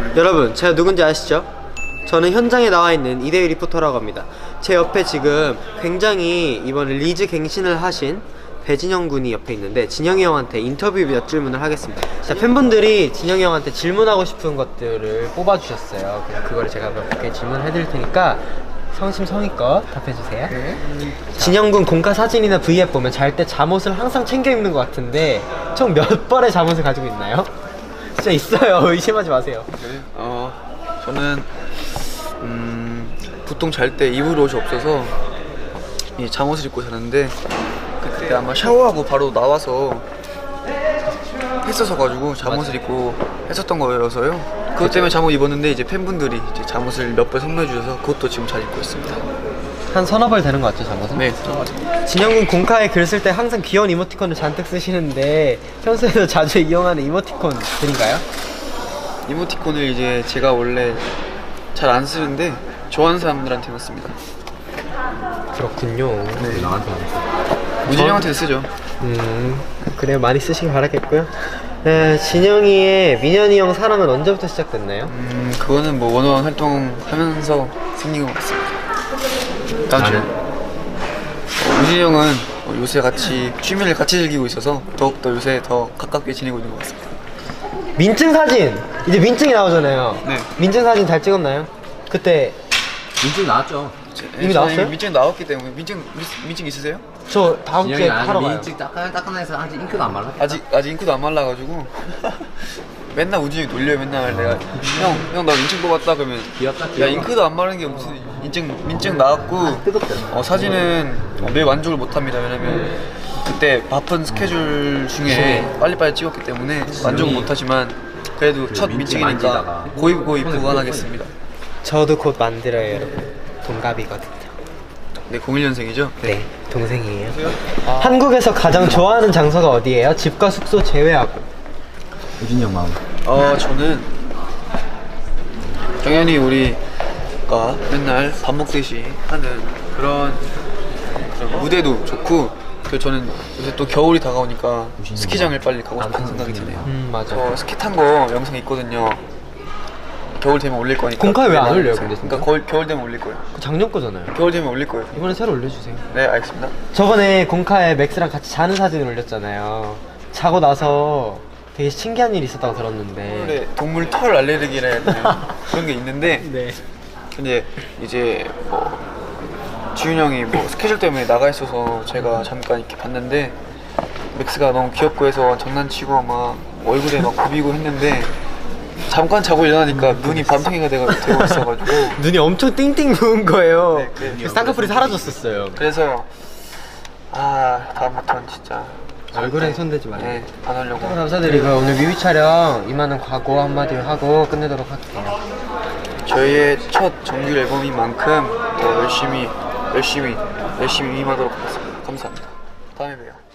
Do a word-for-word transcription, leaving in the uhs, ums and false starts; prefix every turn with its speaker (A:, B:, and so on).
A: 여러분, 제가 누군지 아시죠? 저는 현장에 나와 있는 이대휘 리포터라고 합니다. 제 옆에 지금 굉장히 이번에 리즈 갱신을 하신 배진영 군이 옆에 있는데, 진영이 형한테 인터뷰 몇 질문을 하겠습니다. 자, 팬분들이 진영이 형한테 질문하고 싶은 것들을 뽑아주셨어요. 그래서 그거를 제가 몇 개 질문해 드릴 테니까 성심성의껏 답해주세요. 네. 진영 군 공카 사진이나 브이앱 보면 잘 때 잠옷을 항상 챙겨 입는 것 같은데 총 몇 벌의 잠옷을 가지고 있나요? 진짜 있어요. 의심하지 마세요.
B: 네. 어, 저는 음, 보통 잘 때 입을 옷이 없어서 이 잠옷을 입고 자는데, 그때 아마 샤워하고 바로 나와서 했어서 가지고 잠옷을 맞아. 입고 했었던 거여서요. 그것 때문에 잠옷 입었는데 이제 팬분들이 이제 잠옷을 몇 벌 선물해 주셔서 그것도 지금 잘 입고 있습니다.
A: 한 서너 벌 되는 것 같죠, 잠옷은?
B: 네, 맞아요.
A: 진영군 공카에 글 쓸 때 항상 귀여운 이모티콘을 잔뜩 쓰시는데 평소에도 자주 이용하는 이모티콘들인가요?
B: 이모티콘을 이제 제가 원래 잘 안 쓰는데 좋아하는 사람들한테만 씁니다.
A: 그렇군요.
B: 네. 우진이 형한테도 쓰죠.
A: 음, 그래요. 많이 쓰시길 바라겠고요. 네, 진영이의 민현이 형 사랑은 언제부터 시작됐나요?
B: 음, 그거는 뭐 원어원 활동하면서 생긴 것 같습니다. 다음 주. 어, 우진이 형은 요새 같이 취미를 같이 즐기고 있어서 더욱더 요새 더 가깝게 지내고 있는 것 같습니다.
A: 민증 사진! 이제 민증이 나오잖아요.
B: 네.
A: 민증 사진 잘 찍었나요? 그때
C: 민증 나왔죠.
A: 이미 나왔어요?
B: 민증 나왔기 때문에. 민증 민증 있으세요?
A: 저 다음 주에 하러 가요.
C: 민증 따끈따끈해서 아직 잉크도 안 말랐겠다.
B: 아직 아직 잉크도 안 말라가지고 맨날 우진이 놀려요. 맨날 내가 형 형 나 민증 뽑았다 그러면
C: 귀엽다,
B: 야
C: 귀여워.
B: 잉크도 안 마른 게 무슨 민증 민증 나왔고 어, 사진은 어, 매일 만족을 못합니다. 왜냐면 그때 바쁜 스케줄 중에 빨리빨리 찍었기 때문에 만족은 못하지만 그래도
C: 그
B: 첫
C: 민증
B: 민증이니까
C: 만지다가.
B: 고이 고이 보관하겠습니다.
A: 저도 곧 만들어요, 여러분. 동갑이거든요.
B: 네, 공일 년생이죠?
A: 네, 동생이에요. 아. 한국에서 가장 좋아하는 장소가 어디예요? 집과 숙소 제외하고.
C: 우진이 형 마음.
B: 어, 저는 당연히 우리가 맨날 밥 먹듯이 하는 그런, 그런 무대도 좋고, 그 저는 요새 또 겨울이 다가오니까 스키장을 빨리 가고 싶은 생각이 드네요.
A: 음, 맞아.
B: 저 스키 탄 거 영상 있거든요. 겨울 되면 올릴 거니까.
A: 공카에 왜 안 올려요, 근데?
B: 그러니까 겨울, 겨울 되면 올릴 거예요.
A: 그 작년 거잖아요.
B: 겨울 되면 올릴 거예요.
A: 이번에 새로 올려주세요.
B: 네, 알겠습니다.
A: 저번에 공카에 맥스랑 같이 자는 사진을 올렸잖아요. 자고 나서 되게 신기한 일이 있었다고 들었는데.
B: 동물의, 동물 털 알레르기라 해야 되나? 그런 게 있는데.
A: 네.
B: 근데 이제 뭐 지훈 형이 뭐 스케줄 때문에 나가 있어서 제가 잠깐 이렇게 봤는데 맥스가 너무 귀엽고 해서 장난치고 막 얼굴에 막 굽이고 했는데 잠깐 자고 일어나니까 눈이 밤탱이가 되고 있어가지고
A: 눈이 엄청 띵띵 부은 거예요.
B: 네, 그래요.
A: 그래서 쌍꺼풀이 사라졌었어요.
B: 그래서 아 다음부터는 진짜
A: 얼굴엔 손대지 말아요.
B: 네, 안 하려고.
A: 감사드리고 오늘 뮤비 촬영 이만한 각오 한마디 하고 끝내도록 할게요.
B: 저희의 첫 정규 앨범인 만큼 더 열심히 열심히 열심히 임하도록 하겠습니다. 감사합니다. 다음에 봬요.